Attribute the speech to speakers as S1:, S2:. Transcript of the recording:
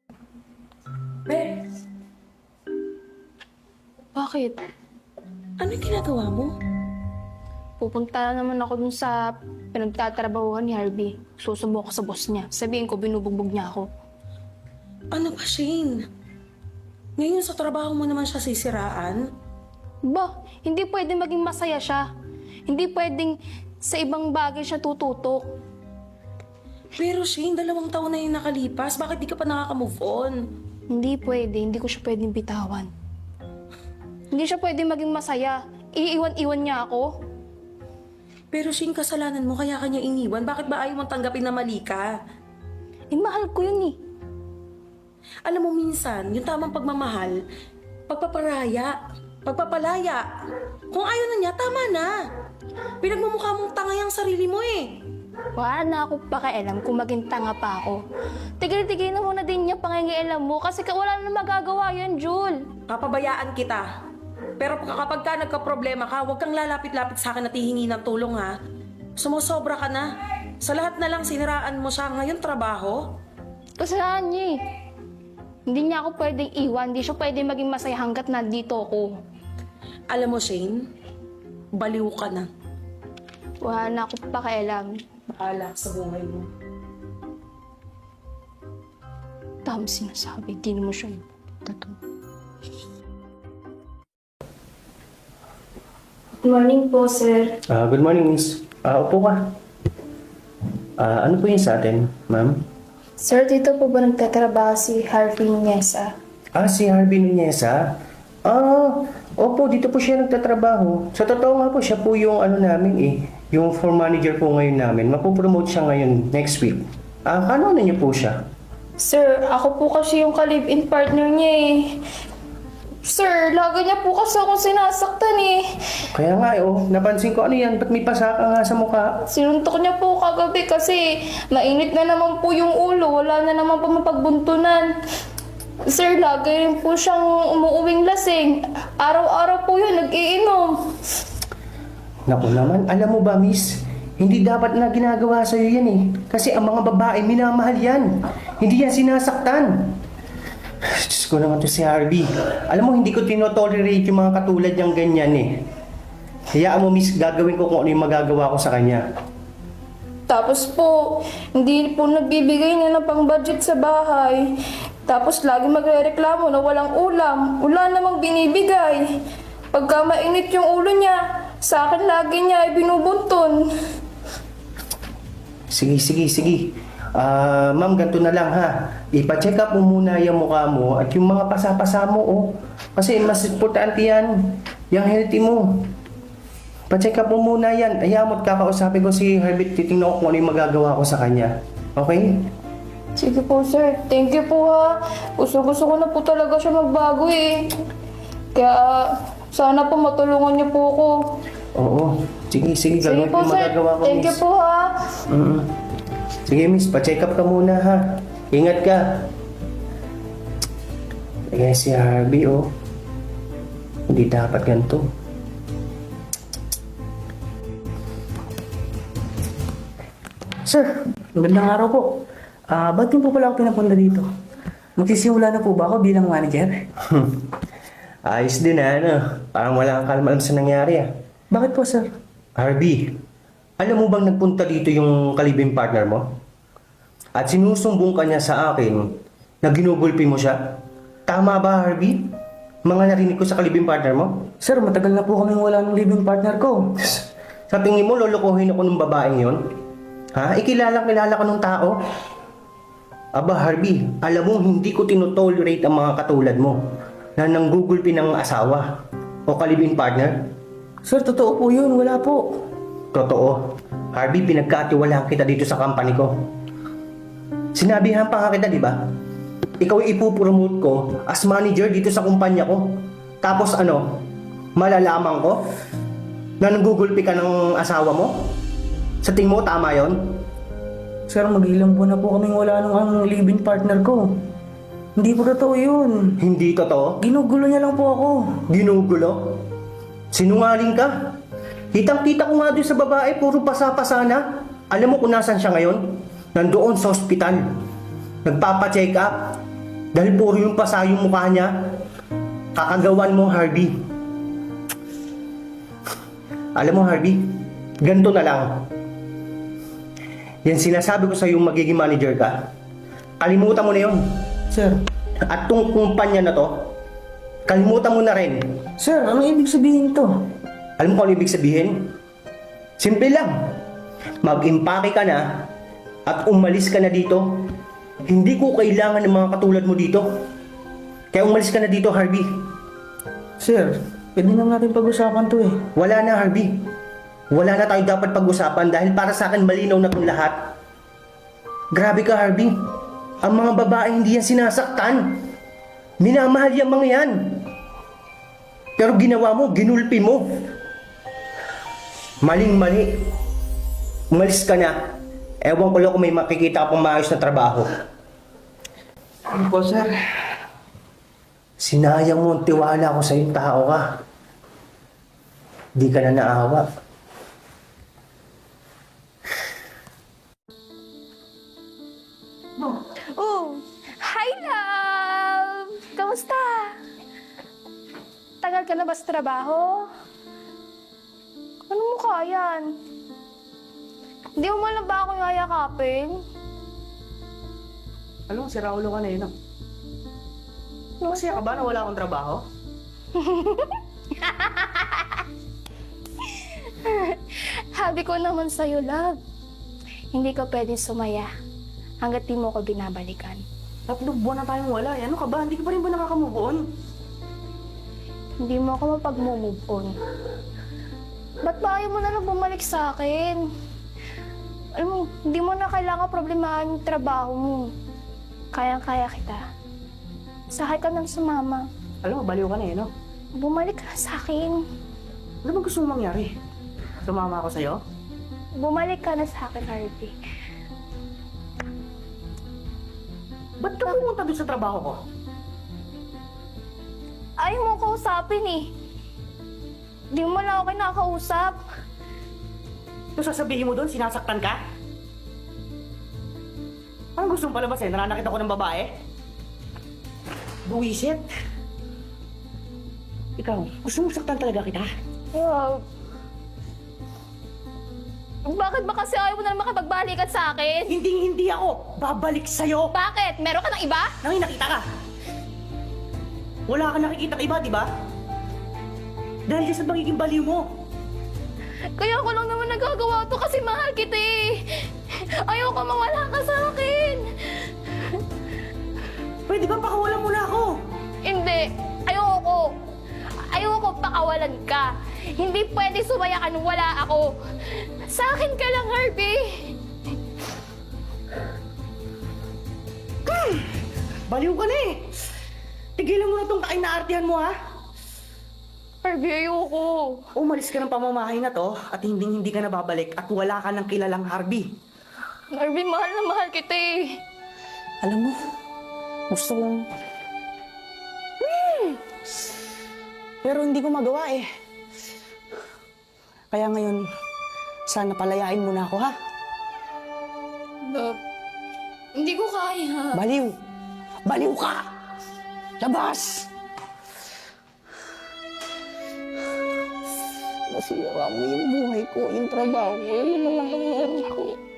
S1: Bes,
S2: Bakit?
S1: ano yung ginagawa mo?
S2: Pupunta na naman ako dun sa pinagtatrabahuhan ni Harvey. Susumbong ko sa boss niya. Sabihin ko, binubugbog niya ako.
S1: Ano ba, Shane? Ngayon sa trabaho mo naman siya sisiraan?
S2: Ba, hindi pwedeng maging masaya siya. Hindi pwedeng sa ibang bagay siya tututok.
S1: Pero Shane, 2 taon na yung nakalipas. Bakit di ka pa nakaka-move on?
S2: Hindi pwede, hindi ko siya pwedeng bitawan. Hindi siya pwedeng maging masaya. Iiwan-iwan niya ako.
S1: Pero Shane, kasalanan mo kaya kanya iniwan. Bakit ba ayaw mong tanggapin na mali ka?
S2: Mahal ko yun eh.
S1: Alam mo minsan, yung tamang pagmamahal, pagpapalaya. Kung ayaw na niya, tama na. Pinagmumukha mong tanga yung sarili mo eh.
S2: Wala na ako pakialam kung maging tanga pa ako. Tigil-tigil na muna din niya pangingialam mo kasi wala na magagawa yan, Jul.
S1: Papabayaan kita. Pero kapag ka nagka-problema ka, huwag kang lalapit-lapit sa akin at hihingi ng tulong ha. Sumusobra ka na. Sa lahat na lang siniraan mo siya. Ngayon trabaho.
S2: Kasalanan niya eh. Hindi niya ako pwedeng iwan. Hindi siya pwedeng maging masaya hanggat nandito ako.
S1: Alam mo Shane, baliw ka na.
S2: Wala na ako pakialam.
S1: Bahala sa buhay mo.
S2: Dami sinasabi. Di naman siya totoo. Good morning po, sir.
S3: Good morning, miss. Upo ka. Ano po yun sa atin, ma'am?
S2: Sir, dito po ba nagtatrabaho si Harvey Nuneza?
S3: Si Harvey Nuneza? Opo, dito po siya nagtatrabaho. Sa totoo nga po, siya po yung namin yung floor manager po ngayon namin. Mapopromote siya ngayon next week. Kano niyo po siya?
S2: Sir, ako po kasi yung ka-live-in partner niya eh. Sir, lagi niya po kasi ako sinasaktan eh.
S3: Kaya nga napansin ko ano yan, ba't may pasaka nga sa mukha?
S2: Sinuntok niya po kagabi kasi mainit na naman po yung ulo. Wala na naman po mapagbuntunan. Sir, lagi rin po siyang umuuwing lasing. Araw-araw po yun, nag-iinom.
S3: Naku naman, alam mo ba, miss? Hindi dapat na ginagawa sa'yo yan eh. Kasi ang mga babae, minamahal yan. Hindi yan sinasaktan. Diyos ko naman to si Harvey. Alam mo, hindi ko tinotolerate yung mga katulad niyang ganyan eh. Hayaan mo, miss, gagawin ko kung ano yung magagawa ko sa kanya.
S2: Tapos po, hindi po nagbibigay niya ng pang-budget sa bahay. Tapos lagi magrereklamo na walang ulam. Wala namang binibigay. Pagka mainit yung ulo niya, sa akin lagi niya ay binubunton.
S3: Sige. Ma'am, ganito na lang ha. Ipa-check up mo muna yung mukha mo at yung mga pasapasa mo Kasi mas importante yan. Yung healthy mo. Pa-check up mo muna yan. Ayaw mo't kakausapin ko si Herbert. Titingnan ko kung ano yung magagawa ko sa kanya. Okay?
S2: Sige po, sir. Thank you po ha. Gusto ko na po talaga siya magbago eh. Kaya sana po matulungan niyo po ako.
S3: Oo. Sige.
S2: Sige
S3: Gagawin
S2: po,
S3: ko yung
S2: sir.
S3: magagawa ko,
S2: Thank you
S3: miss.
S2: po ha.
S3: Sige, miss. Pa-check up ka muna ha. Ingat ka. Kaya si Harvey hindi dapat ganito.
S4: Sir, magandang araw po. Ba't niyo po pala ako pinapunta dito? Magsisimula na po ba ako bilang manager?
S3: Ayos din Parang wala kang kalmaan sa nangyari
S4: Bakit po, sir?
S3: Harvey, alam mo bang nagpunta dito yung kalibing partner mo? At sinusumbong ka niya sa akin na ginugulpi mo siya? Tama ba, Harvey? Mga narinig ko sa kalibing partner mo?
S4: Sir, matagal na po kaming wala ng living partner ko.
S3: Sa tingin mo, lolokohin ako ng babaeng yon? Kilala ko ng tao? Aba, Harvey, alam mo, hindi ko tinotolerate ang mga katulad mo na nanggugulpi ng asawa o kalibing partner.
S4: Sir, totoo po yun. Wala po.
S3: Totoo. Harvey, pinagkatiwalaan kita dito sa company ko. Sinabihan pa nga kita, di ba? Ikaw ipupromote ko as manager dito sa kumpanya ko. Tapos malalaman ko na nanggugulpi ka ng asawa mo? Sa tingin mo, tama yon?
S4: Sir, mag-ilang buwan na po kaming wala ng living partner ko. Hindi po totoo yun.
S3: Hindi totoo?
S4: Ginugulo niya lang po ako.
S3: Ginugulo? Sinungaling ka? Kitang-kita ko nga doon sa babae, puro pasa-pasa na. Alam mo kung nasan siya ngayon? Nandoon sa ospital. Nagpapa-check up. Dahil puro yung pasa yung mukha niya. Kakagawan mo, Harvey. Alam mo, Harvey, ganito na lang. Yan sinasabi ko sa yung magiging manager ka. Kalimutan mo na yun.
S4: Sir,
S3: At tong kumpanya na to, kalimutan mo na rin.
S4: sir, ano ibig sabihin to?
S3: Alam mo kung ano ibig sabihin? Simple lang. Mag-impake ka na at umalis ka na dito. Hindi ko kailangan ng mga katulad mo dito. Kaya umalis ka na dito, Harvey.
S4: Sir, pwede na natin pag-usapan to eh.
S3: Wala na, Harvey. Wala na tayo dapat pag-usapan dahil para sa akin malinaw na itong lahat. Grabe ka, Harvey. Ang mga babae hindi yan sinasaktan. Minamahal yung mga yan. Pero ginawa mo, ginulpi mo. Maling-mali. Umalis ka na. Ewan ko lang kung may makikita ka pang maayos na trabaho.
S4: Ano po, sir?
S3: Sinayang mo ang tiwala ko sa yung tao ka. Di ka na naawa.
S2: Oh, hi love! Kamusta? Tagal ka na ba sa trabaho? Ano mo yan? Hindi mo man lang ba ako yayakapin?
S4: Alam mo, si Raulo ka na yun. Masaya ka ba na wala akong trabaho?
S2: Habi ko naman sa'yo, love. Hindi ka pwedeng sumaya hanggat di mo ko binabalikan.
S4: 3 buwan na tayong wala. Ano ka ba? Hindi ka pa rin ba nakaka-move on?
S2: Hindi mo ako mapag-move on. Ba't ba ayaw mo na lang bumalik sa akin? Alam mo, hindi mo na kailangan problemahan yung trabaho mo. Kayang-kaya kita. Sakay ka nang sumama.
S4: Alam mo, baliw ka na eh, no?
S2: Bumalik ka na sa akin.
S4: Ano ba gusto mong mangyari? Sumama ako sa'yo?
S2: Bumalik ka na sa akin, Harvey.
S4: Ba't ka pumunta doon sa trabaho ko?
S2: Ayaw mo kausapin eh. Di mo lang ako kinakausap.
S4: Ito sasabihin mo doon, sinasaktan ka? Anong gusto mong palabasin? Nananakit ako ng babae? Buwisit? Ikaw, gusto mong saktan talaga kita?
S2: Wow. Bakit ba kasi ayaw mo na makipagbalikan sa akin?
S4: Hindi ako babalik sa'yo!
S2: Bakit? Meron ka ng iba?
S4: Nang nakita ka! Wala ka nakikita iba, di ba? Dahil sa magiging baliw mo.
S2: Kaya ko lang naman nagagawa to kasi mahal kita eh. Ayoko mawala ka sa akin.
S4: Pwede ba pakawalan mo na ako?
S2: Hindi. Ayoko. Ayoko pakawalan ka. Hindi pwede sumaya ka nung wala ako. Sa akin ka lang, Harvey.
S4: Baliw ka na eh! Tigilan mo na tong kainaartihan mo, ha?
S2: Harvey, ayoko.
S4: Umalis ka ng pamamahay na to at hindi ka na babalik at wala ka ng kilalang Harvey.
S2: Harvey, mahal na mahal kita eh.
S4: Alam mo, gusto kong... Pero hindi ko magawa eh. Kaya ngayon, sana palayain mo na ako, ha?
S2: Love, hindi ko kaya.
S4: Baliw! Baliw ka! Labas! Nasira mo yung buhay ko, yung trabaho ko, yun naman lang ang meron ko.